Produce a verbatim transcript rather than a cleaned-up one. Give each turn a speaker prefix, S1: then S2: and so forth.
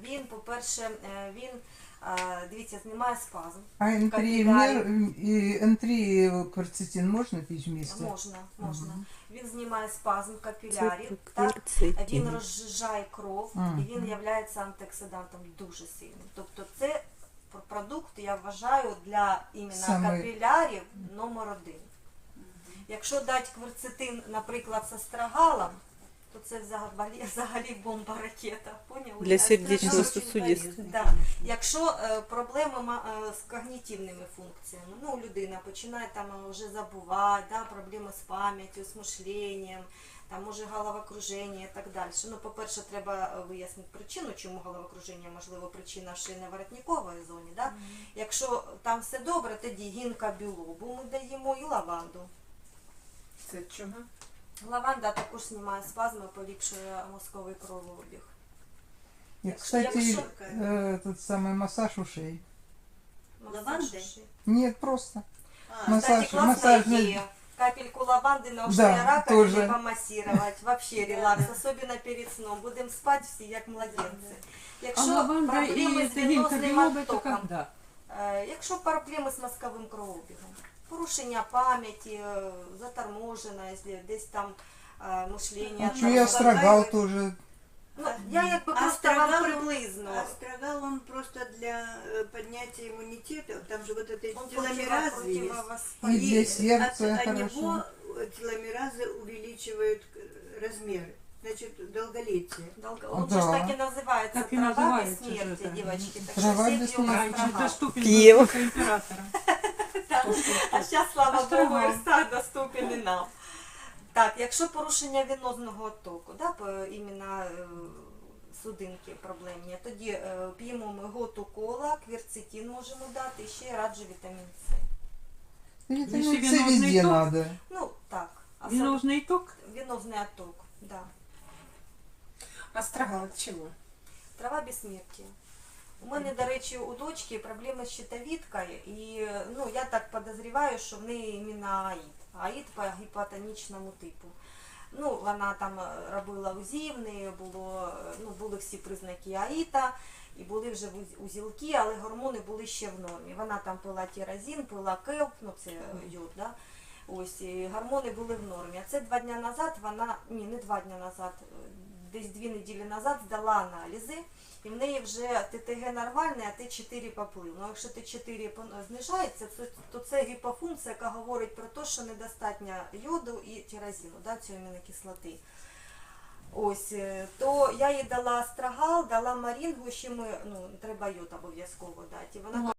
S1: він, по-перше, він, дивіться, знімає спазм.
S2: А ентріємер і ентрі кверцетин можна пити вместе?
S1: Можна, можна. Угу. Він знімає спазм капілярів,
S3: так?
S1: Він розжижає кров, угу. І він є антиоксидантом дуже сильним. Тобто це продукт, я вважаю, для іменно Саме... капілярів номер один. Якщо дати кверцетин, наприклад, з астрагалом, то це взагалі, взагалі бомба-ракета. Поняли?
S3: Для сердечно-сосудистих.
S1: Да. Якщо е, проблеми е, з когнітивними функціями, ну, людина починає там вже забувати, да, проблеми з пам'яттю, з мишленням, там може головокруження і так далі. Ну, по-перше, треба вияснити причину, чому головокруження, можливо, причина в шийно-воротниковій зоні. Да? Mm -hmm. Якщо там все добре, тоді гінка білобу ми даємо і лаванду.
S4: Це чого?
S1: Лаванда також знімає спазми, поліпшує мозковий кровообіг.
S2: І, кстати, Якщо... этот самый массаж ушей.
S1: Лаванди?
S2: Нет, просто.
S1: А, массаж, кстати, классная массаж... идея. Капельку лаванды на ушные да, раковины помассировать. Вообще релакс, особенно перед сном. Будем спать все, як младенці.
S4: Якщо а проблеми з венозним оттоком,
S1: якщо проблеми з мозковим кровообігом, порушення пам'яті, заторможена, десь там мишлення.
S2: А чого астрагал тоже?
S1: Ну, я якби просто вам приблизно.
S5: Астрагал, он просто для поднятия иммунитета, там же вот это теломеразы есть.
S2: И для сердца
S5: от,
S2: хорошо.
S5: От него теломеразы увеличивают размеры, значит, долголетие.
S1: Долго... Он да. же так и называется, так трава называется бессмертия,
S4: это.
S1: Девочки. Так
S2: трава
S4: бессмертия.
S3: Пьем.
S1: А сейчас, слава Богу, Ирстат доступен и нам. Так, якщо порушення венозного оттоку, да, іменно е, судинки проблемні, тоді е, п'ємо ми готу кола, кверцетин можемо дати, і ще раджу вітамін С.
S2: Вітамін С везде надо.
S1: Ну, так.
S4: Венозний ток?
S1: Венозний отток, да.
S4: Астрагал от чого?
S1: Трава безсмертия. У мене, до речі, у дочки проблеми з щитовідкою, і ну, я так підозріваю, що в неї іменно АІД. АІД по гіпотонічному типу. Ну, вона там робила УЗІ, в неї було, ну, були всі признаки АІТа, і були вже узілки, але гормони були ще в нормі. Вона там пила тіразин, пила келп, ну це йод, да? Ось, і гормони були в нормі. А це два дні назад вона, ні, не два дні назад, десь дві неділі назад здала аналізи, і в неї вже ТТГ нормальне, а Т чотири поплив. Ну, якщо Т чотири знижається, то це гіпофункція, яка говорить про те, що недостатньо йоду і тіразину, да, цієї амінокислоти. Ось, то я їй дала астрагал, дала марінгу, ще ми, ну, треба йод обов'язково дати. І вона